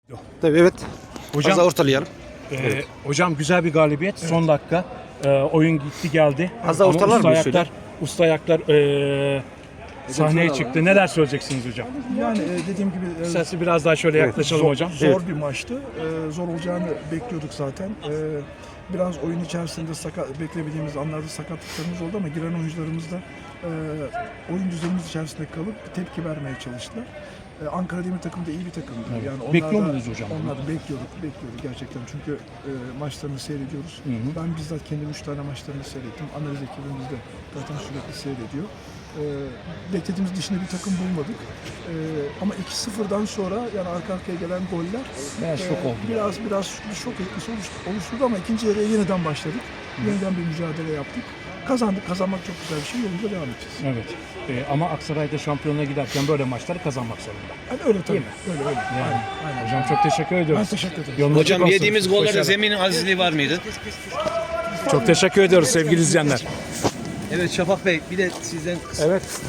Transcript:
Tabii evet. Hocam, Az ortalayalım. hocam güzel bir galibiyet. Son dakika. Oyun gitti geldi. Az daha Ama ortalar usta mı ayaklar, usta ayaklar sahneye çıktı. Neler söyleyeceksiniz hocam? Yani dediğim gibi Sesi biraz daha şöyle yaklaşalım hocam. zor bir maçtı. Zor olacağını bekliyorduk zaten. Biraz oyun içerisinde beklemediğimiz anlarda sakatlıklarımız oldu ama giren oyuncularımız da oyun düzenimiz içerisinde kalıp tepki vermeye çalıştılar. Ankara Demir takımı da iyi bir takımdı. Yani onlar Bekliyor da- muydunuz hocam? Onlar da bekliyorduk gerçekten. Çünkü maçlarını seyrediyoruz. Ben bizzat kendim 3 tane maçlarını seyrettim. Analiz ekibimiz de zaten sürekli seyrediyor. Beklediğimiz dışında bir takım bulmadık. Ama 2-0'dan sonra yani arka arkaya gelen goller Şok oldu. biraz bir şok etkisi oluşturdu ama ikinci yarıya yeniden başladık. Yeniden bir mücadele yaptık. Kazandık. Kazanmak çok güzel bir şey. Yolunda devam edeceğiz. Evet. Ama Aksaray'da şampiyonluğa giderken böyle maçları kazanmak zorunda. Yani öyle tabii. Öyle. Yani. Aynen. Hocam çok teşekkür Ben ediyoruz. teşekkür ederim. Yolunuz açık Hocam olsun. yediğimiz gollerde Başarılar. zeminin azizliği var mıydı? Çok teşekkür ediyoruz sevgili izleyenler. Evet Şafak Bey, bir de sizden Evet.